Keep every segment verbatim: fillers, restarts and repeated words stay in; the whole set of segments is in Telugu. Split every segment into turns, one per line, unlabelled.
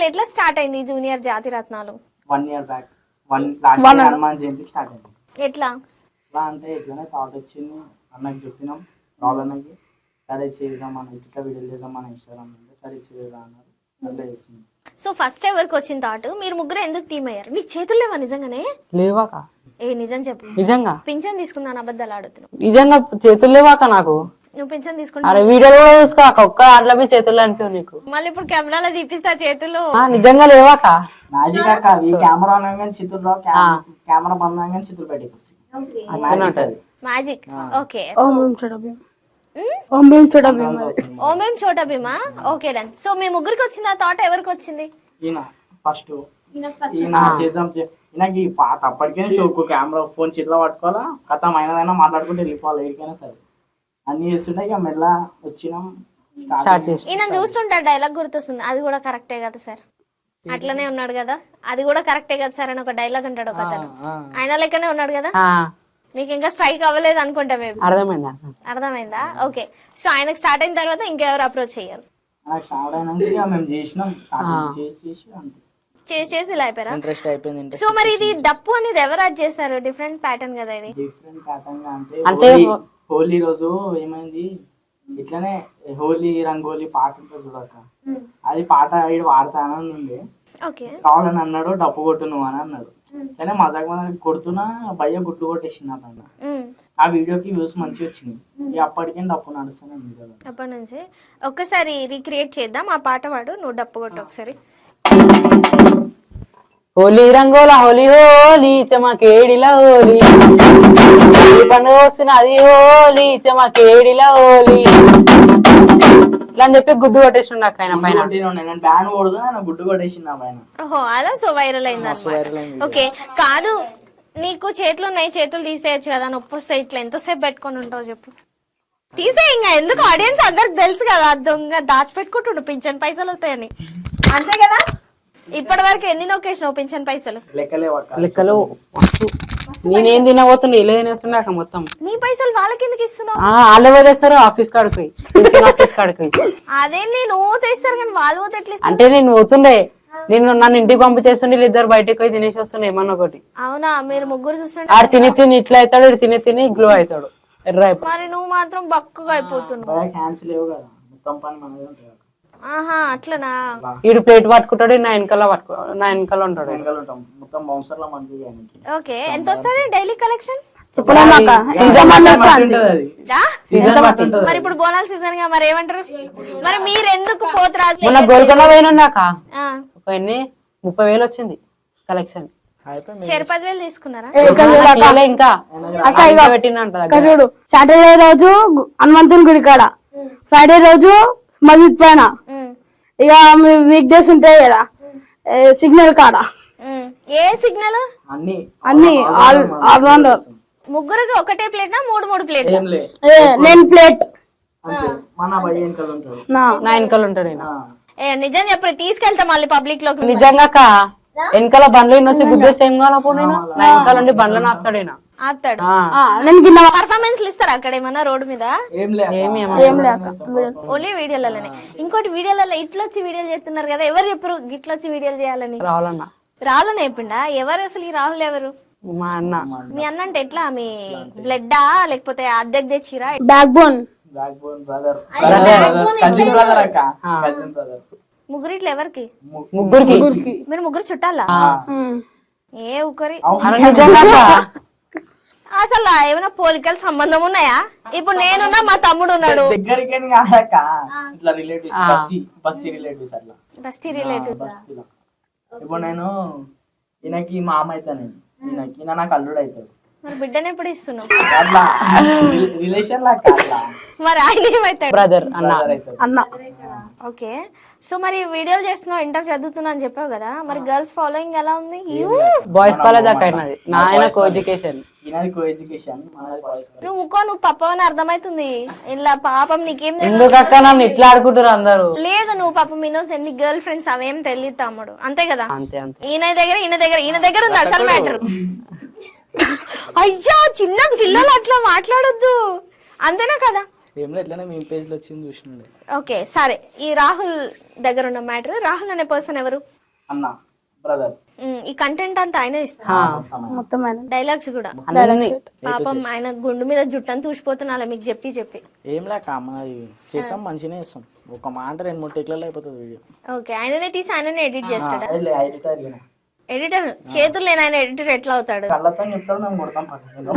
అసలు ఎట్లా స్టార్ట్ అయింది junior Jathi Ratnalu?
One year back one last year Hanuman జయంతికి స్టార్ట్ అయింది.
ఎట్లా
ఎట్లా అంటే ఇట్లానే థాట్ వచ్చింది, అన్నకి చెప్పినాం, రాహుల్ అన్నకి. సరే చేద్దాం అన్న, ఇట్లా వీడియోలు చేద్దాం మన ఇన్స్టాగ్రామ్ అంటే సరే చేద్దాం అన్నారు, అట్లా చేస్తుంది.
సో ఫస్ట్ ఎవరికి వచ్చిన థాట్? మీరు ముగ్గురు ఎందుకు టీమ్ అయ్యారు? నీ చేతులు లేవా నిజంగానే?
లేవాక
ఏ నిజం చెప్పు.
నిజంగా
పింఛన్ తీసుకుందాను అబద్ధాలు ఆడుతున్నావు.
నిజంగా చేతులు లేవాక నాకు.
నువ్వు పింఛన్ తీసుకుంటా
అరే వీడియోలో కూడా చూసుకోక ఒక్క దాంట్లో మీ చేతులు అనిపించవు నీకు.
మళ్ళీ ఇప్పుడు కెమెరాలో తీపిస్తా చేతులు.
ఆ, నిజంగా లేవాక.
మ్యాజిక్ అక్క, ఈ కెమెరా అనగానే చిత్తులు రావు, కెమెరా బంద్ అనగానే చిత్తులు బయటకు వస్తాయి.
మ్యాజిక్. ఓకే ఓమేం Chhota Bheema. Okay done. So మీ ముగ్గురికి వచ్చింది ఆ థాట్, ఎవరికి వచ్చింది?
ఈయన ఫస్ట్ ఈయన చేద్దాం, ఈయనకి పాత అప్పటికే షోకు కెమెరా ఫోన్ చేతిలో పట్టుకోవాలా, కథ అయినదైనా మాట్లాడుకుంటే వెళ్ళిపోవాలి ఎక్కడికైనా సరే అన్ని చేస్తుంటే ఇక మెల్ల వచ్చినాం స్టార్ట్ చేసి.
ఈయన చూస్తుంటా డైలాగ్ గుర్తొస్తుంది, అది కూడా కరెక్టే కదా సార్, అట్లనే ఉన్నాడు కదా, అది కూడా కరెక్టే కదా సార్ అని ఒక డైలాగ్ అంటాడు ఒక అతను. ఆయన లెక్కనే ఉన్నాడు కదా. మీకు ఇంకా స్ట్రైక్ అవ్వలేదు అనుకుంటా మేము.
అర్థమైందా?
అర్థమైందా? ఓకే. సో ఆయనకు స్టార్ట్ అయిన తర్వాత ఇంకెవరు అప్రోచ్ అయ్యారు?
స్టార్ట్ అయినాక మేము చేసినాం, చేసి అంతే
చేసి చేసి ఇలా అయిపోయారా?
ఇంట్రెస్ట్ అయిపోయింది.
సో మరి ఇది డప్పు అనేది ఎవరు యాడ్ చేశారు? డిఫరెంట్ ప్యాటర్న్ కదా ఇది.
డిఫరెంట్ ప్యాటర్న్ అంటే
అంటే
హోలీ రోజు ఏమైంది, ఇట్లానే హోలీ రంగోలీ పాట ఉంటుంది చూడక, అది పాట వీడు వాడతానని ఉండే. రావాలని అన్నాడు, డప్పు కొట్టు నువ్వు అని అన్నాడు. కానీ మజాక్ మజాక్ కొడుతున్నా భయ్య గుట్టు కొట్టేసింది పైన. ఆ వీడియోకి వ్యూస్ మంచిగా వచ్చింది, అప్పటికే డప్పు నడుస్తుంది.
అప్పటి నుంచి ఒక్కసారి రీక్రియేట్ చేద్దాం ఆ పాట వాడు, నువ్వు డప్పు కొట్టు ఒకసారి.
హోలీ రంగోల హోలీ హోలీ చెమకేడిలా హోలీ, పండుగ వస్తున్నది హోలీ చెమకేడిలా హోలీ ఇట్లా అని చెప్పి గుడ్డు కొట్టేసి నాకు ఆయన పైన.
బ్యాన్ కొడుతూ గుడ్డు కొట్టేసింది ఆ పైన.
ఓహో అలా. సో వైరల్ అయింది. ఓకే కాదు, నీకు చేతులు ఉన్నాయి, చేతులు తీసేయచ్చు కదా, నొప్పి వస్తే ఇట్లా ఎంతసేపు పెట్టుకొని ఉంటావు చెప్పు? తీసే ఇంకా ఎందుకు, ఆడియన్స్ అందరికి తెలుసు కదా దొంగ దాచిపెట్టుకుంటుండు పింఛన్ పైసలు వస్తాయని, అంతే కదా? ఇప్పటి వరకు ఎన్ని నొక్కేసినావు పింఛన్ పైసలు?
లెక్కలు నేనేం తినబోతున్నా ఇలా తినేస్తున్నాక మొత్తం.
నీ పైసలు వాళ్ళకి ఎందుకు ఇస్తున్నావు?
వాళ్ళే వేస్తారు ఆఫీస్ కాడికి, ఆఫీస్ కాడికి.
అదే నేను తెస్తారు కానీ వాళ్ళు పోతే ఎట్లా?
అంటే నేను పోతుండే, నేను నన్ను ఇంటికి పంపించేస్తుండే, ఇద్దరు బయటకు పోయి తినేసి వస్తుండే ఏమన్నా ఒకటి.
అవునా? మీరు ముగ్గురు చూస్తుండే
ఆడు తిని తిని ఇట్లా అవుతాడు, ఇటు తిని తిని గ్లో అవుతాడు, ఎర్ర అయిపోతాడు.
మరి నువ్వు మాత్రం బక్కగా అయిపోతున్నావు. ఆహా అట్లనా?
ఈడు ప్లేట్ పట్టుకుంటాడు, నా వెనకాల పట్టుకో నా వెనకాల ఉంటాడు.
ఓకే. ఎంత వస్తుంది డైలీ కలెక్షన్? మరి ఇప్పుడు బోనాల సీజన్ గా మరి ఏమంటారు? మరి మీరు ఎందుకు పోతురాజు?
మొన్న గోల్కొండ పోయినాక ఒక ఎన్ని ముప్పై వేలు వచ్చింది కలెక్షన్.
చెరు పదివేలు తీసుకున్నారా?
ఇంకా పెట్టిందంట.
సాటర్డే రోజు హనుమంతుని గుడి కాడ, ఫ్రైడే రోజు మస్జిద్ పైన, ఇక వీక్ డేస్ ఉంటాయి కదా సిగ్నల్ కాడ.
ఏ సిగ్నల్?
అన్ని
అన్ని ఆల్రౌండర్.
ముగ్గురికి ఒకటే ప్లేట్ నా మూడు మూడు ప్లేట్?
నేను ప్లేట్,
నా వెనకాల ఉంటాడు.
నిజం చెప్పు, తీసుకెళ్తా మళ్ళీ పబ్లిక్ లోకి.
నిజంగా వెనకాల బండ్లు వచ్చి గుద్దేసి ఏం కావాలప్పుడు నేను నా వెనకాల ఉండి బండ్లను ఆపుతాడు.
ఆపుతాడు. పర్ఫార్మెన్స్ ఇస్తారా అక్కడ ఏమన్నా రోడ్డు మీద? ఓన్లీ వీడియోలలోనే. ఇంకోటి వీడియోలలో ఇట్లా వచ్చి వీడియోలు చేస్తున్నారు కదా, ఎవరు చెప్పరు గిట్లా వచ్చి వీడియోలు చేయాలని?
రావాలన్నా
రావాలని చెప్పిండా? ఎవరు అసలు ఈ రాహుల్ ఎవరు?
మా అన్న.
మీ అన్న అంటే ఎట్లా, మీ బ్లడ్డా లేకపోతే అద్దెకి తెచ్చిరా?
Back bone.
ముగ్గురు ఇట్లా ఎవరికి?
ముగ్గురికి.
మీరు ముగ్గురు చుట్టాలా? ఏ ఊకరి అసలు ఏమైనా పోలికల సంబంధం ఉన్నాయా? ఇప్పుడు నేనున్నా, మా తమ్ముడు ఉన్నాడు. బస్తీ రిలేటివ్స్.
ఇప్పుడు నేను ఈయనకి మామ అవుతాను, ఈయనకి ఈయన నాకు అల్లుడు అవుతాడు.
మరి బిడ్డను ఎప్పుడు ఇస్తున్నావు?
రిలేషన్
మరి ఆయన ఏమవుతాడు?
బ్రదర్ అన్న.
అన్న.
ఓకే. సో మరి వీడియోలు చేస్తున్నావు, ఇంటర్ చదువుతున్నా అని చెప్పావు కదా, మరి గర్ల్స్ ఫాలోయింగ్ ఎలా ఉంది?
బాయ్స్ కాలేజ్ అక్కడ నాయన కో ఎడ్యుకేషన్.
నువ్వు ఇంకో నువ్వు పప్పవని అర్థమవుతుంది. ఇలా పాపం నీకేం
ఎందుకక్క నన్ను ఇట్లా ఆడుకుంటారు అందరూ?
లేదు నువ్వు పాపం ఇన్నోస్ ఎన్ని గర్ల్ ఫ్రెండ్స్ అవేం తెలియదు తమ్ముడు, అంతే కదా?
అంతే అంతే.
ఈయన దగ్గర ఈయన దగ్గర ఈయన దగ్గర ఉంది అసలు మ్యాటర్. అయ్యో చిన్న పిల్లలు అట్లా మాట్లాడొద్దు, అంతేనా కదా?
ఏం లేదు ఇట్లానే మీ పేజ్ లో వచ్చింది చూసినండి.
ఓకే సరే, ఈ రాహుల్ దగ్గర ఉన్న మ్యాటర్, రాహుల్ అనే పర్సన్ ఎవరు?
అన్న బ్రదర్.
ఉమ్, ఈ కంటెంట్ అంతా ఆయనే ఇస్తారు,
మొత్తం ఆయన
డైలాగ్స్ కూడా.
అన్ని
పాపం ఆయన గుండు మీద జుట్టని తూసిపోతున్నా మీకు చెప్పి చెప్పి.
ఏం లేక మనది చేస్తాం, మంచిగానే చేస్తాం. ఒక మాట రెండు మూడు టెక్లలో అయిపోతుంది వీడియో.
ఓకే, ఆయననే తీసి ఆయననే ఎడిట్ చేస్తాడా?
ఎడిటర్
ఎడిటర్ చేతులు లేని ఆయన ఎడిటర్ ఎట్లా అవుతాడు?
కళ్ళతో చెప్తాడు, మేము కొడతాం పక్కన.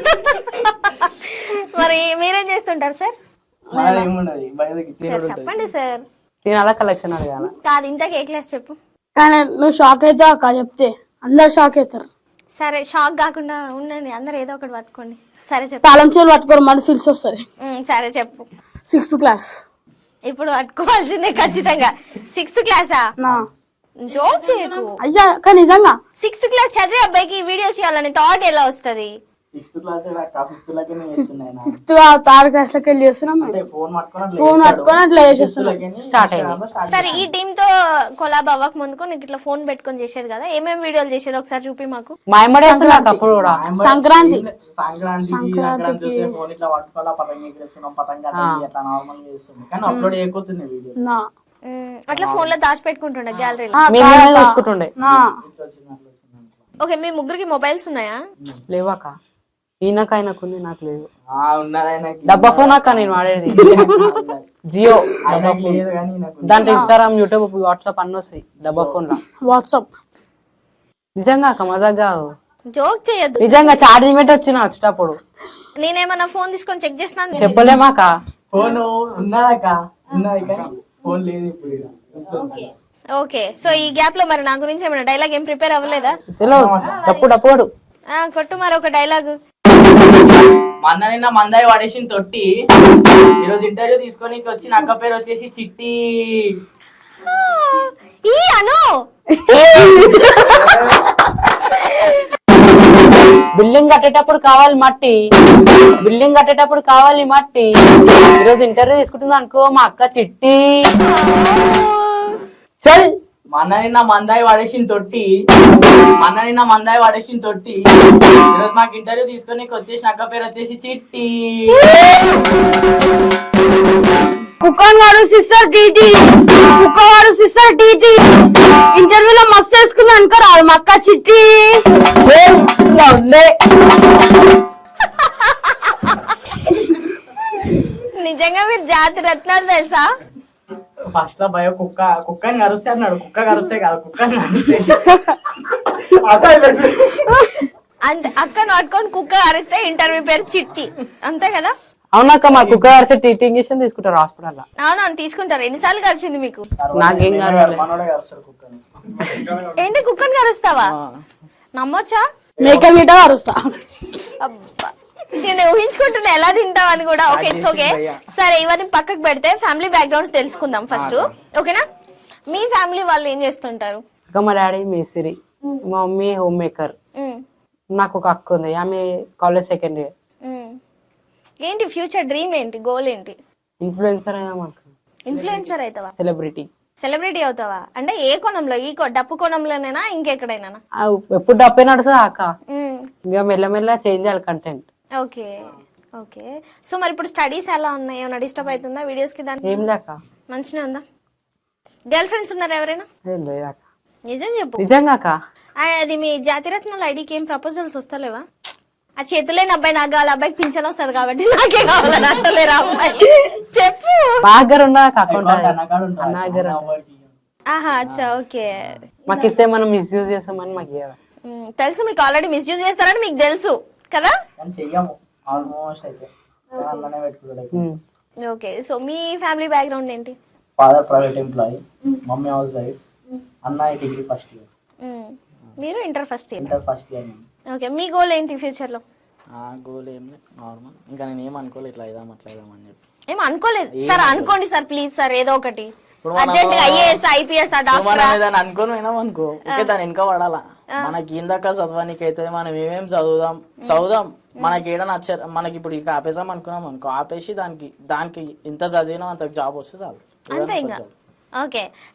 మరి మీరేం చేస్తుంటారు సార్?
మనది ఏమున్నది బయటకి
సార్
తినడు ఉంటుంది.
చెప్పండి సార్.
నేను అలా కలెక్షన్ అడగాల.
కాదు, ఇంతకు ఏ క్లాస్ చెప్పు.
కానీ నువ్వు షాక్ అవుతావు అక్క చెప్తే, అందరు షాక్ అవుతారు.
సరే, షాక్ కాకుండా ఉండండి, అందరు ఏదో ఒకటి పట్టుకోండి. సరే చెప్పు.
తాళం చేలు పట్టుకోరు మన ఫీల్స్ వస్తుంది.
ఉమ్, సరే చెప్పు.
సిక్స్త్ క్లాస్
ఇప్పుడు పట్టుకోవాల్సిందే ఖచ్చితంగా. సిక్స్త్ క్లాసా?
నా
జోక్ చేయకు.
అయ్యా కానీ నిజంగా
సిక్స్త్ క్లాస్ చదివే అబ్బాయికి వీడియో చేయాలని థాట్ ఎలా వస్తుంది?
సిక్స్త్ క్లాస్ ఫిఫ్త్ లాగే చేస్తున్నాయి.
ఫిఫ్త్ థర్డ్ క్లాస్ లోకి వెళ్ళి చేస్తున్నాం.
అంటే ఫోన్ పట్టుకొని
ఫోన్ పట్టుకొని అట్లా చేసేస్తున్నాం.
స్టార్ట్ అయింది.
సరే, ఈ టీమ్ తో కొలాబ్ అవ్వక ముందుకు నీకు ఇట్లా ఫోన్ పెట్టుకొని చేసేది కదా, ఏమేమి వీడియోలు చేసేది ఒకసారి చూపి మాకు.
మా ఎమ్మడే వేస్తున్నాక అప్పుడు కూడా
సంక్రాంతి
సంక్రాంతికి చూసే ఫోన్ ఇట్లా పట్టుకోవాలా, పతంగి ఎగరేస్తున్నాం, పతంగా అట్లా నార్మల్ గా చేస్తున్నాం. కానీ అప్లోడ్ అయిపోతుంది వీడియో.
నా
ఉమ్, అట్లా ఫోన్ లో దాచి పెట్టుకుంటుండే గ్యాలరీలో.
మేము చూసుకుంటుండే.
నా
ఇట్లా వచ్చింది అట్లా వచ్చింది.
ఓకే, మీ ముగ్గురికి మొబైల్స్ ఉన్నాయా?
లేవాక ఈయనకు ఆయనకుంది, నాకు లేదు.
ఆ ఉన్నది ఆయనకి.
డబ్బా ఫోన్ అక్క నేను వాడేది జియో.
ఆయనకి లేదు కానీ ఈయనకు.
దాంట్లో ఇన్స్టాగ్రామ్, యూట్యూబ్, వాట్సాప్ అన్ని వస్తాయి డబ్బా ఫోన్ లో.
వాట్సాప్
నిజంగా అక్క మజాక్ కాదు,
జోక్ చేయొద్దు.
నిజంగా ఛార్జింగ్ పెట్టి వచ్చిన వచ్చేటప్పుడు.
నేనేమన్నా ఫోన్ తీసుకొని చెక్ చేస్తున్నాను.
చెప్పలేమాక.
ఫోన్ ఉన్నదాక ఉన్నది కానీ ఫోన్ లేదు ఇప్పుడు ఇక.
ఓకే, సో ఈ గ్యాప్ లో మరి నా గురించి ఏమైనా డైలాగ్ ఏం ప్రిపేర్ అవ్వలేదా?
చలో తప్పు డప్పుడు
ఆ, కొట్టు మరి ఒక డైలాగ్.
మొన్న నిన్న మందాయి పడేసిన తొట్టి ఈరోజు ఇంటర్వ్యూ తీసుకొని వచ్చి అక్క పేరు వచ్చేసి చిట్టి.
ఈ అను
బిల్డింగ్ కట్టేటప్పుడు కావాలి మట్టి, బిల్డింగ్ కట్టేటప్పుడు కావాలి మట్టి. ఈరోజు ఇంటర్వ్యూ తీసుకుంటుంది అనుకో మా అక్క చిట్టి. చల్
మొన్న నిన్న మందాయి పడేసిన తొట్టి మొన్న నిన్న మందాయి పడేసిన తొట్టి ఈరోజు మాకు ఇంటర్వ్యూ తీసుకొని వచ్చేసి అక్క పేరు వచ్చేసి చిట్టి.
కుక్కన్ వాడు సిస్టర్ టీటీ, కుక్క వాడు సిస్టర్ టీటీ. ఇంటర్వ్యూలో మస్తు వేసుకున్నా అనుకో రాదు మా అక్క చిట్టి.
ఉండే
నిజంగా మీరు జాతి రత్నాలు తెలుసా?
ఫస్ట్ లో భయ కుక్క కుక్కని కరుస్తే అన్నాడు. కుక్క కరుస్తే కాదు, కుక్కని కరుస్తే.
అంతే, అక్క నాటుకొని కుక్క అరిస్తే ఇంటర్వ్యూ పేరు చిట్టి, అంతే కదా?
అవునక్క మా కుక్క అరిసే టీటీ ఇంజక్షన్ తీసుకుంటారు హాస్పిటల్ లో.
అవును, తీసుకుంటారు. ఎన్నిసార్లు కలిసింది మీకు?
నాకేం కాదు.
మనోడే కరుస్తాడు కుక్కని.
ఏంటి కుక్కని కరుస్తావా? నమ్మొచ్చా?
మేక మీట అరుస్తా.
అబ్బా, నేను ఊహించుకుంటున్నా ఎలా తింటావని కూడా. Okay, it's okay. సరే, ఇవన్నీ పక్కకు పెడితే ఫ్యామిలీ బ్యాక్గ్రౌండ్స్ తెలుసుకుందాం ఫస్ట్, ఓకేనా? మీ ఫ్యామిలీ వాళ్ళు ఏం చేస్తుంటారు?
అక్క మా డాడీ మేస్త్రి, మా మమ్మీ హోమ్ మేకర్.
ఉమ్,
నాకు ఒక అక్క ఉంది, ఆమె కాలేజ్ సెకండ్ ఇయర్.
ఉమ్. ఏంటి ఫ్యూచర్ డ్రీమ్ ఏంటి, గోల్ ఏంటి?
ఇన్ఫ్లుయెన్సర్ అయినా మాకు
ఇన్ఫ్లుయెన్సర్ అవుతావా?
సెలబ్రిటీ.
సెలబ్రిటీ అవుతావా అంటే ఏ కోణంలో? ఈ కో- డప్పు కోణంలోనేనా ఇంకెక్కడైనా?
ఎప్పుడు డబ్బే నడుస్తుంది అక్క, ఇంకా మెల్లమెల్ల చేంజ్ చేయాలి కంటెంట్.
Okay okay. సో మరి ఇప్పుడు స్టడీస్ ఎలా ఉన్నాయి? ఏమైనా డిస్టర్బ్ అవుతుందా వీడియోస్ కి? దానికి
ఏం లేక
మంచిగా ఉందా? గర్ల్ ఫ్రెండ్స్ ఉన్నారా ఎవరైనా?
ఏం లేదక్క,
నిజం చెప్పు.
నిజంగా అక్క.
ఆ, అది మీ జాతిరత్నాల ఐడికి ఏం ప్రపోజల్స్ వస్తలేవా? ఆ చేతులేని అబ్బాయి నాకు కావాలి, అబ్బాయికి పింఛన్ వస్తుంది కాబట్టి నాకే కావాలని అంటలేరా అమ్మాయి? చెప్పు.
మా దగ్గర ఉన్న అకౌంట్
అన్నగాడు ఉంటాడు.
అన్న దగ్గర
అవ్వకి.
ఆహా, అచ్చా, ఓకే.
మాకు ఇస్తే మనం మిస్యూజ్ చేస్తామని మాకు ఇవ్వాలి.
ఉమ్, తెలుసు మీకు, ఆల్రెడీ మిస్యూజ్ చేస్తారని మీకు తెలుసు కదా?
కానీ చెయ్యము ఆల్మోస్ట్ అయితే అన్ననే పెట్టుకుంటాడు.
ఓకే, సో మీ ఫ్యామిలీ బ్యాక్గ్రౌండ్ ఏంటి?
Father private employee, mummy house wife, అన్నయ్య డిగ్రీ ఫస్ట్ ఇయర్,
ఉమ్, మీరు inter first year.
Inter first year.
Okay, మీ గోల్ ఏంటి ఫ్యూచర్ లో?
ఆ గోల్ ఏం లేదు, నార్మల్. ఇంకా నేను ఏం అనుకోలేదు, ఇట్లా ఇదాం అట్లా ఇదాం అని చెప్పి.
ఏం అనుకోలేదు సార్? అనుకోండి సార్ ప్లీజ్ సార్, ఏదో ఒకటి
ఇప్పుడు
అర్జెంట్ గా ఐఏఎస్ ఐపీఎస్ ఆ డాక్టర్.
మనం ఏదైనా అనుకోని పోయినాం అనుకో, ఓకే దాని వెనక పడాలా. మనకి ఇందాక చదవడానికి అయితే మనం ఏమేమి చదువుదాం చదువుదాం మనకి ఏడ నచ్చ మనకి ఇప్పుడు ఇక ఆపేసాం అనుకున్నాం అనుకో, ఆపేసి దానికి దానికి ఇంత చదివినా అంత జాబ్ వస్తే చాలు.
అంతే ఇంకా. ఓకే,